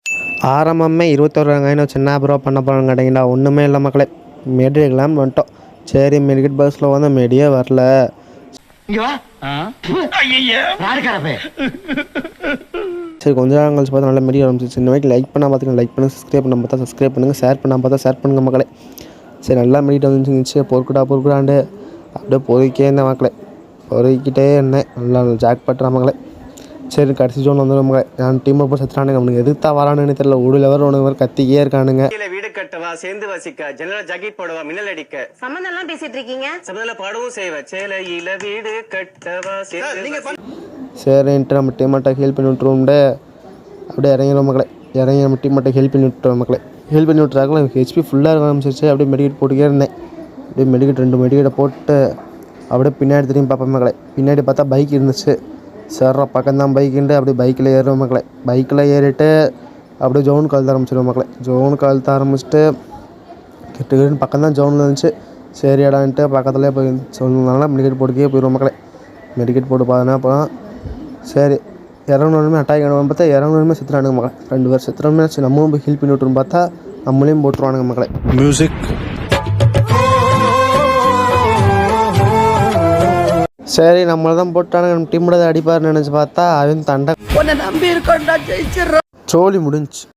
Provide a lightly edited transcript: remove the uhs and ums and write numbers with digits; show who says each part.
Speaker 1: ஆரம்பமே 21 வெங்காயம் வச்சு என்ன ப்ரோ பண்ண போகிறோன்னு கேட்டிங்கன்னா ஒன்றுமே இல்லை மக்களே. மெடி எடுக்கலாம்னு வந்துட்டோம். சரி மெடிக்கெட் பஸ்ஸில் வந்து மெடியே வரல. சரி கொஞ்ச நேரம் கழிச்சு பார்த்தா நல்லா மெடி ஆரம்பிச்சிச்சு. இந்த மாதிரி லைக் பண்ணால் பார்த்துக்கணும், லைக் பண்ணுங்கள், சப்ஸ்கிரைப் பண்ண பார்த்தா சப்ஸ்கிரைப் பண்ணுங்கள், ஷேர் பண்ணால் பார்த்தா ஷேர் பண்ணுங்கள் மக்களே. சரி நல்லா மெடிட்டு வந்துச்சு. பொறுக்குடாண்டு அப்படியே பொறுக்கிட்டே இருந்தேன் மக்களே. பொறுக்கிட்டே இருந்தேன். நல்லா ஜாக் பட்டுறா மக்களே. சரி கடைசி ஜோன் வந்து நம்ம என் டீமில் போய் செத்துறானுங்க. அவனுக்கு எதுக்கு வரானுன்னு தெரியல. ஒரு லெவல் ஒன்று கத்திக்கே இருக்கானுங்க.
Speaker 2: வீடு கட்டவா, சேர்ந்து வசிக்க, ஜன்னல ஜாக்கெட் போடவா, மின்னல் அடிக்க,
Speaker 3: சம்மந்தம் எல்லாம் பேசிட்டு இருக்கீங்க.
Speaker 2: சம்மந்தம் பாடவும் செய்வ, சேலையில வீடு கட்டவா
Speaker 1: சரின்ட்டு நம்ம டீமாட்டை ஹெல்ப் பண்ணி விட்டுருவோம்டே. அப்படியே இறங்கிடும் மக்களே. இறங்கி நம்ம டீமாட்டை ஹெல்ப் பண்ணி விட்டுருவோம் மக்களே. ஹெல்ப் பண்ணி விட்டுறாங்களா எனக்கு ஹெச்பி ஃபுல்லாக இருக்க ஆரம்பிச்சிருச்சு. அப்படியே மெடிக்கெட் போட்டுக்கே இருந்தேன். அப்படியே மெடிக்கெட் 2 மெடிக்கெட்டை போட்டு அப்படியே பின்னாடி திரும்பி பார்ப்பேன் மக்களே. பின்னாடி பார்த்தா பைக் இருந்துச்சு. சேர்ற பக்கம்தான் பைக்குண்டு அப்படியே பைக்கில் ஏறுவோம் மக்களே. பைக்கில் ஏறிட்டு அப்படியே ஜோன் கழுத்த ஆரம்பிச்சிடுவோம் மக்களே. ஜோன் கழுத்த ஆரம்பிச்சுட்டு கிட்ட பக்கம் தான் ஜோனில் இருந்துச்சு. சரி இடான்ட்டு பக்கத்துலேயே போய் சொன்னதுனால மெடிக்கெட் போட்டுக்கே போயிடுவோம் மக்களே. மெடிக்கெட் போட்டு பார்த்தோன்னா அப்புறம் சரி இறங்கணுமே அட்டாக் ஆகணும் பார்த்தா இறங்கணுமே செத்துறானுங்க மக்களே. 2 பேர் செத்துறோமே. சரி நம்மளும் போய் ஹெல்ப் பண்ணி விட்டுருன்னு பார்த்தா நம்மளையும் போட்டுருவானுங்க மக்களே. மியூசிக் சரி நம்மளை தான் போட்டானுங்க. நம்ம டீமோட அடிப்பாருன்னு நினச்சி பார்த்தா அவன் தண்டை நம்பி இருக்கோண்டா ஜெயிச்சிடறோம். சோலி முடிஞ்சு.